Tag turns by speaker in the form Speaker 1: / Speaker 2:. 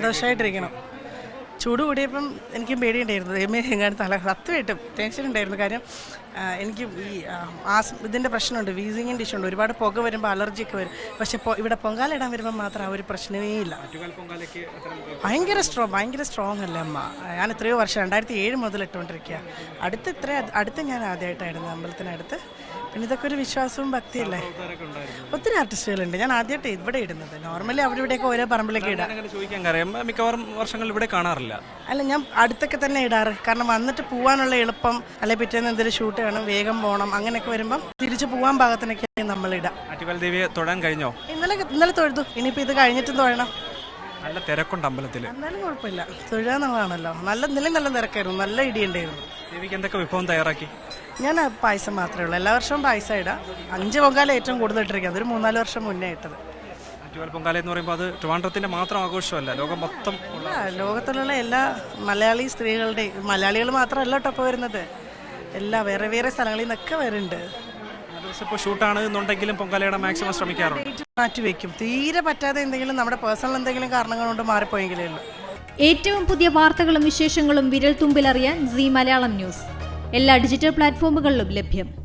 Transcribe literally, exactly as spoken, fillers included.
Speaker 1: സന്തോഷമായിട്ടിരിക്കണം. ചൂട് കൂടിയപ്പം എനിക്കും പേടിയുണ്ടായിരുന്നു, ദൈവമേ എങ്ങാനും തല സത്യമായിട്ടും ടെൻഷൻ ഉണ്ടായിരുന്നു. കാര്യം എനിക്ക് ഈ ആസ് ഇതിൻ്റെ പ്രശ്നമുണ്ട്, വീസിങ്ങിൻ്റെ ഇഷ്യൂ ഉണ്ട്, ഒരുപാട് പുക വരുമ്പോൾ അലർജിയൊക്കെ വരും. പക്ഷെ ഇവിടെ പൊങ്കാല ഇടാൻ വരുമ്പോൾ മാത്രം ആ ഒരു പ്രശ്നമേ ഇല്ല. ഭയങ്കര സ്ട്രോങ് ഭയങ്കര സ്ട്രോങ് അല്ലേ അമ്മ. ഞാൻ എത്രയോ വർഷം രണ്ടായിരത്തി ഏഴ് മുതൽ ഇട്ടുകൊണ്ടിരിക്കുക. അടുത്ത് ഇത്ര അടുത്ത് ഞാൻ ആദ്യമായിട്ടായിരുന്നു അമ്പലത്തിനടുത്ത്. പിന്നെ ഇതൊക്കെ ഒരു വിശ്വാസവും ഭക്തിയല്ലേ. ഒത്തിരി ആർട്ടിസ്റ്റുകളുണ്ട്. ഞാൻ ആദ്യമായിട്ട് ഇവിടെ ഇടുന്നത്. നോർമലി അവിടെ ഇവിടെയൊക്കെ ഓരോ പറമ്പിലൊക്കെ ഇടാം.
Speaker 2: ചോദിക്കാൻ കാര്യം മിക്കവാറും വർഷങ്ങൾ ഇവിടെ കാണാറില്ല.
Speaker 1: അല്ല, ഞാൻ അടുത്തൊക്കെ തന്നെ ഇടാറ്. കാരണം വന്നിട്ട് പോകാനുള്ള എളുപ്പം, അല്ലെ പിറ്റേന്ന് എന്തെങ്കിലും ഷൂട്ട് വേണം, വേഗം പോകണം, അങ്ങനെയൊക്കെ വരുമ്പം തിരിച്ചു പോകാൻ പാകത്തിനൊക്കെ നമ്മളിടാം.
Speaker 2: ആറ്റുകാൽ ദേവിയെ തൊഴാൻ കഴിഞ്ഞോ?
Speaker 1: ഇന്നലെ ഇന്നലെ തൊഴുതു. ഇനിയിപ്പോൾ ഇത് കഴിഞ്ഞിട്ടും തൊഴണം.
Speaker 2: നല്ല തിരക്കുണ്ട് അമ്പലത്തിൽ.
Speaker 1: എന്നാലും കുഴപ്പമില്ല, തൊഴുകാന്നുള്ളതാണല്ലോ. നല്ല നിലയും നല്ല തിരക്കായിരുന്നു, നല്ല ഇടിയുണ്ടായിരുന്നു.
Speaker 2: ദേവിക്ക് എന്തൊക്കെ വിഭവം തയ്യാറാക്കി?
Speaker 1: ഞാൻ പായസം മാത്രമേ ഉള്ളൂ. എല്ലാ വർഷവും പായസം ഇടാം. അഞ്ച് പൊങ്കാല ഏറ്റവും കൂടുതൽ ഇട്ടിരിക്കുക. അതൊരു മൂന്നാല് വർഷം മുന്നേ ഇട്ടത്.
Speaker 2: ആറ്റുകാൽ പൊങ്കാല എന്ന് പറയുമ്പോൾ അത് ട്രിവാൻഡ്രത്തിന്റെ മാത്രം ആഘോഷമല്ല, ലോകം മൊത്തം
Speaker 1: ലോകത്തിലുള്ള എല്ലാ മലയാളി സ്ത്രീകളുടെയും, മലയാളികൾ മാത്രമല്ല ടൊപ്പം വരുന്നത്, എല്ലാ വേറെ വേറെ സ്ഥലങ്ങളിൽ നിന്നൊക്കെ വരുന്നുണ്ട്.
Speaker 2: ഇപ്പോൾ ഷൂട്ടാണ് എന്നുണ്ടെങ്കിലും പൊങ്കാലയുടെ മാക്സിമം ശ്രമിക്കാറുണ്ട്.
Speaker 1: മാറ്റി വയ്ക്കും. തീരെ പറ്റാതെ എന്തെങ്കിലും നമ്മുടെ പേഴ്സണൽ എന്തെങ്കിലും കാരണങ്ങൾ കൊണ്ട് മാറിപ്പോയെങ്കിലേ ഉള്ളൂ.
Speaker 3: ഏറ്റവും പുതിയ വാർത്തകളും വിശേഷങ്ങളും വിരൽ തുമ്പിലറിയാൻ സീ മലയാളം ന്യൂസ് എല്ലാ ഡിജിറ്റൽ പ്ലാറ്റ്ഫോമുകളിലും ലഭ്യം.